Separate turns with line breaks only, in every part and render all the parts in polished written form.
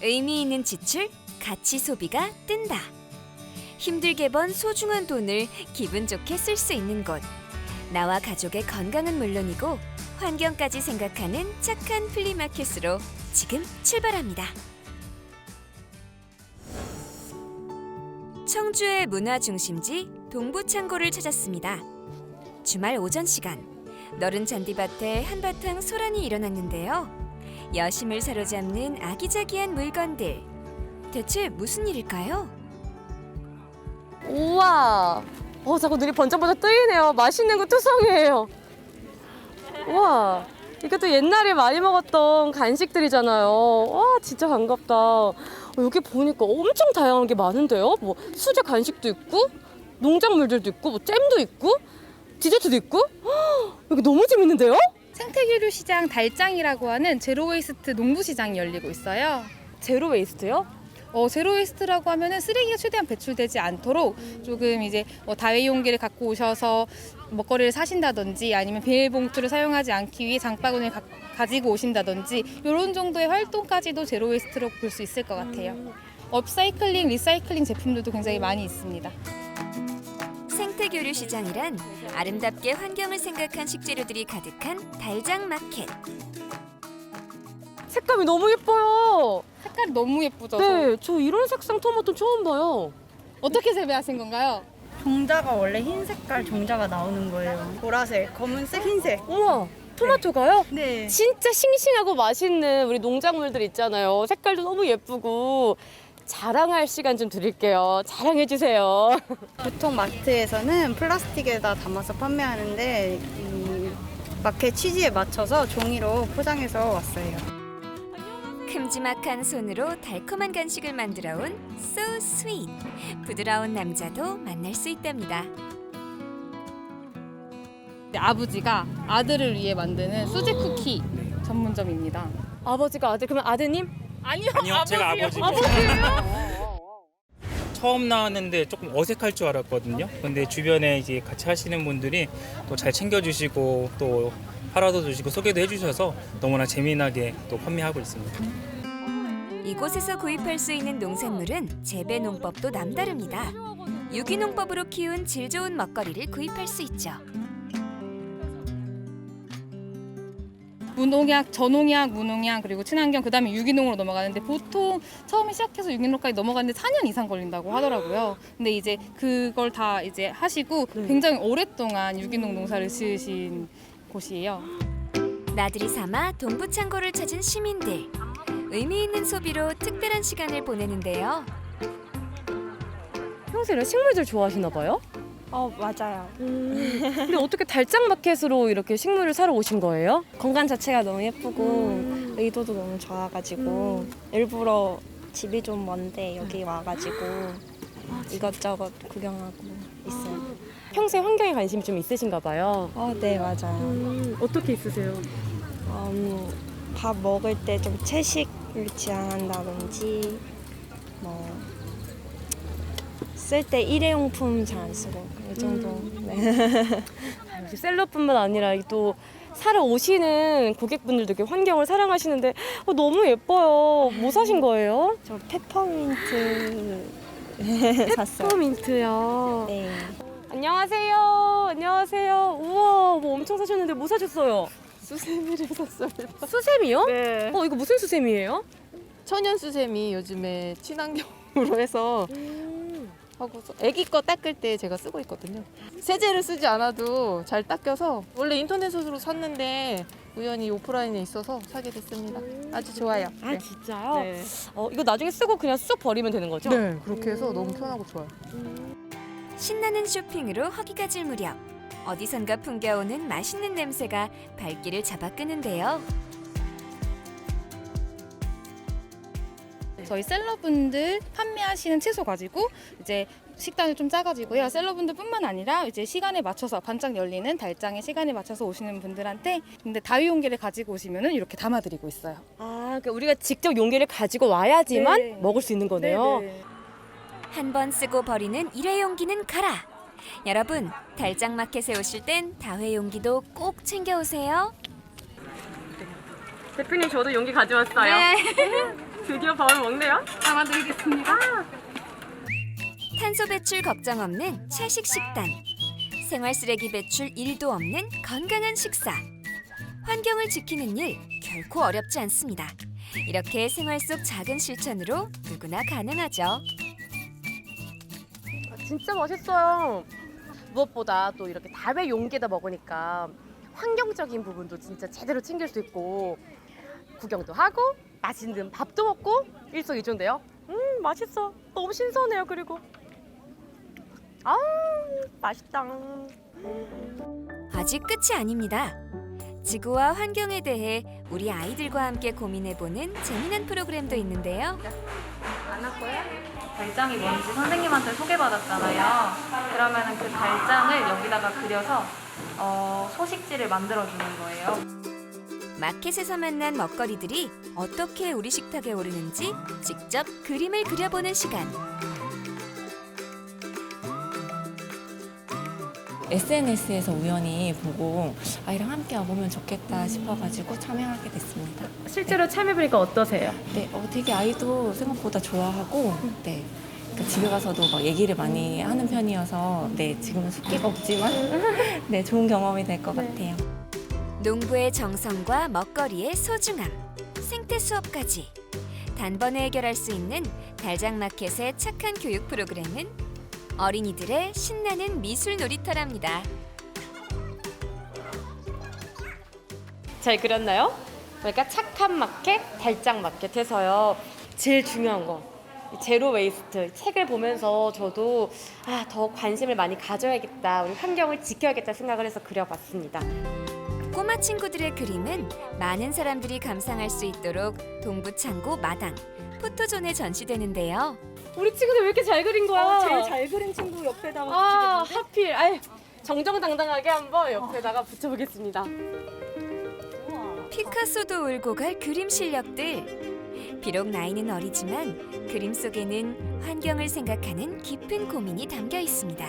의미 있는 지출, 가치 소비가 뜬다. 힘들게 번 소중한 돈을 기분 좋게 쓸 수 있는 곳. 나와 가족의 건강은 물론이고 환경까지 생각하는 착한 플리마켓으로 지금 출발합니다. 청주의 문화 중심지 동부창고를 찾았습니다. 주말 오전 시간, 너른 잔디밭에 한바탕 소란이 일어났는데요. 여심을 사로잡는 아기자기한 물건들. 대체 무슨 일일까요?
우와, 자꾸 눈이 번쩍번쩍 뜨이네요. 맛있는 거 투성이에요. 우와, 이것도 옛날에 많이 먹었던 간식들이잖아요. 와, 진짜 반갑다. 여기 보니까 엄청 다양한 게 많은데요. 뭐 수제 간식도 있고, 농작물들도 있고, 뭐 잼도 있고, 디저트도 있고. 여기 너무 재밌는데요?
생태교류 시장 달장이라고 하는 제로웨이스트 농부시장이 열리고 있어요.
제로 웨이스트요?
제로웨이스트라고 하면은 쓰레기가 최대한 배출되지 않도록 조금 이제 다회용기를 갖고 오셔서 먹거리를 사신다든지 아니면 비닐봉투를 사용하지 않기 위해 장바구니를 가지고 오신다든지 이런 정도의 활동까지도 제로웨이스트로 볼 수 있을 것 같아요. 업사이클링, 리사이클링 제품들도 굉장히 많이 있습니다.
생태교류 시장이란 아름답게 환경을 생각한 식재료들이 가득한 달장 마켓.
색감이 너무 예뻐요.
색깔이 너무 예쁘죠?
네, 저 이런 색상 토마토 처음 봐요.
어떻게 재배하신 건가요?
종자가 원래 흰 색깔 종자가 나오는 거예요. 보라색, 검은색, 흰색.
우와, 토마토가요?
네.
진짜 싱싱하고 맛있는 우리 농작물들 있잖아요. 색깔도 너무 예쁘고 자랑할 시간 좀 드릴게요. 자랑해 주세요.
보통 마트에서는 플라스틱에다 담아서 판매하는데 이 마켓 취지에 맞춰서 종이로 포장해서 왔어요.
큼지막한 손으로 달콤한 간식을 만들어온 So Sweet. 부드러운 남자도 만날 수 있답니다.
아버지가 아들을 위해 만드는 수제 쿠키 전문점입니다.
아버지가 아들, 그러면 아드님?
아니요,
제가 아버지고. 처음 나왔는데 조금 어색할 줄 알았거든요. 근데 주변에 이제 같이 하시는 분들이 또 잘 챙겨주시고 또 팔아도 주시고 소개도 해주셔서 너무나 재미나게 또 판매하고 있습니다.
이곳에서 구입할 수 있는 농산물은 재배 농법도 남다릅니다. 유기농법으로 키운 질 좋은 먹거리를 구입할 수 있죠.
무농약, 저농약, 무농약 그리고 친환경 그다음에 유기농으로 넘어가는데 보통 처음에 시작해서 유기농까지 넘어가는데 4년 이상 걸린다고 하더라고요. 근데 이제 그걸 다 이제 하시고 굉장히 오랫동안 유기농 농사를 지으신 곳이에요.
나들이 삼아 동부창고를 찾은 시민들. 의미 있는 소비로 특별한 시간을 보내는데요.
평소에 이런 식물들 좋아하시나 봐요?
맞아요.
근데 어떻게 달장 마켓으로 이렇게 식물을 사러 오신 거예요?
공간 자체가 너무 예쁘고 의도도 너무 좋아가지고 일부러 집이 좀 먼데 여기 와가지고 이것저것 구경하고 있어요.
평소에 환경에 관심이 좀 있으신가 봐요.
네, 맞아요.
어떻게 있으세요?
밥 먹을 때 좀 채식을 지향한다든지 뭐 쓸 때 일회용품 잘 안 쓰고 이 정도. 네.
역시 셀럽뿐만 아니라 또 사러 오시는 고객분들도 이렇게 환경을 사랑하시는데 너무 예뻐요. 뭐 사신 거예요?
저 페퍼민트 샀어요.
페퍼민트요.
네.
안녕하세요. 안녕하세요. 우와, 뭐 엄청 사셨는데 뭐 사셨어요?
수세미를 샀습니다.
수세미요?
네.
이거 무슨 수세미예요?
천연 수세미 요즘에 친환경으로 해서 하고서 아기 거 닦을 때 제가 쓰고 있거든요. 세제를 쓰지 않아도 잘 닦여서 원래 인터넷으로 샀는데 우연히 오프라인에 있어서 사게 됐습니다. 아주 좋아요.
아, 진짜요?
네.
이거 나중에 쓰고 그냥 쑥 버리면 되는 거죠?
네, 그렇게 해서 너무 편하고 좋아요.
신나는 쇼핑으로 허기가 질 무렵. 어디선가 풍겨오는 맛있는 냄새가 발길을 잡아 끄는데요.
저희 셀러분들 판매하시는 채소 가지고 이제 식단을 좀 짜가지고요. 셀러분들뿐만 아니라 이제 시간에 맞춰서 반짝 열리는 달장의 시간에 맞춰서 오시는 분들한테 근데 다위용기를 가지고 오시면은 이렇게 담아드리고 있어요.
그러니까 우리가 직접 용기를 가지고 와야지만
네.
먹을 수 있는 거네요.
네네.
한 번 쓰고 버리는 일회용기는 가라. 여러분, 달장 마켓에 오실 땐 다회용기도 꼭 챙겨오세요.
대표님, 저도 용기 가져왔어요.
네.
드디어 밥을 먹네요.
탄소 배출 걱정 없는 채식 식단. 생활 쓰레기 배출 1도 없는 건강한 식사. 환경을 지키는 일 결코 어렵지 않습니다. 이렇게 생활 속 작은 실천으로 누구나 가능하죠.
진짜 맛있어요. 무엇보다 또 이렇게 다회 용기에다 먹으니까 환경적인 부분도 진짜 제대로 챙길 수 있고 구경도 하고 맛있는 밥도 먹고 일석이조인데요. 맛있어. 너무 신선해요. 그리고 맛있다.
아직 끝이 아닙니다. 지구와 환경에 대해 우리 아이들과 함께 고민해보는 재미난 프로그램도 있는데요.
달장이 뭔지 선생님한테 소개받았잖아요. 그러면은 그 달장을 여기다가 그려서 소식지를 만들어주는 거예요.
마켓에서 만난 먹거리들이 어떻게 우리 식탁에 오르는지 직접 그림을 그려보는 시간.
SNS에서 우연히 보고 아이랑 함께 와보면 좋겠다 싶어가지고 참여하게 됐습니다.
실제로 참여해보니까 어떠세요?
네, 되게 아이도 생각보다 좋아하고, 네, 그러니까 집에 가서도 막 얘기를 많이 하는 편이어서, 네, 지금은 숫기가 없지만, 네, 좋은 경험이 될 것 같아요.
농부의 정성과 먹거리의 소중함, 생태 수업까지 단번에 해결할 수 있는 달장마켓의 착한 교육 프로그램은 어린이들의 신나는 미술 놀이터랍니다.
잘 그렸나요? 그러니까 착한 마켓, 달장 마켓 해서요. 제일 중요한 거 제로 웨이스트 책을 보면서 저도 더 관심을 많이 가져야겠다. 우리 환경을 지켜야겠다 생각을 해서 그려봤습니다.
꼬마 친구들의 그림은 많은 사람들이 감상할 수 있도록 동부창고 마당, 포토존에 전시되는데요.
우리 친구들 왜 이렇게 잘 그린 거야?
제일 잘 그린 친구 옆에다가
하필 정정당당하게 한번 옆에다가 붙여보겠습니다.
피카소도 울고 갈 그림 실력들. 비록 나이는 어리지만 그림 속에는 환경을 생각하는 깊은 고민이 담겨 있습니다.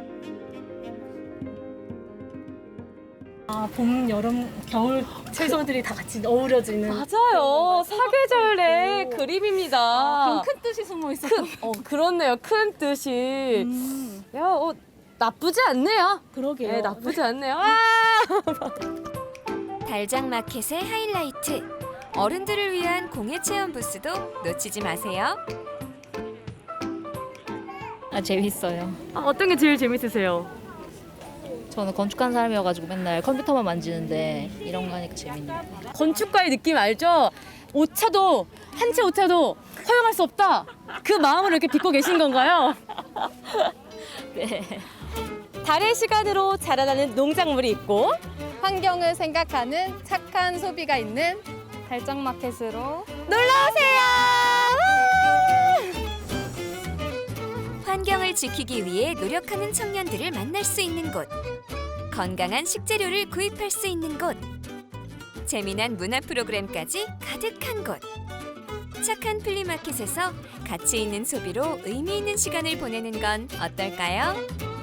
봄, 여름, 겨울 채소들이 다 같이 어우러지는
맞아요. 사계절 내 그림입니다.
그런 큰 뜻이 숨어 있어요.
그렇네요. 큰 뜻이. 야, 나쁘지 않네요.
그러게요.
네, 나쁘지 않네요.
달장 마켓의 하이라이트. 어른들을 위한 공예 체험 부스도 놓치지 마세요.
재밌어요.
어떤 게 제일 재밌으세요?
저는 건축한 사람이어가지고 맨날 컴퓨터만 만지는데 이런 거 하니까 재밌네요.
건축가의 느낌 알죠? 오차도 한 채 오차도 허용할 수 없다. 그 마음으로 이렇게 빚고 계신 건가요?
네.
달의 시간으로 자라나는 농작물이 있고
환경을 생각하는 착한 소비가 있는 달장마켓으로
놀러오세요.
환경을 지키기 위해 노력하는 청년들을 만날 수 있는 곳. 건강한 식재료를 구입할 수 있는 곳. 재미난 문화 프로그램까지 가득한 곳. 착한 플리마켓에서 가치 있는 소비로 의미 있는 시간을 보내는 건 어떨까요?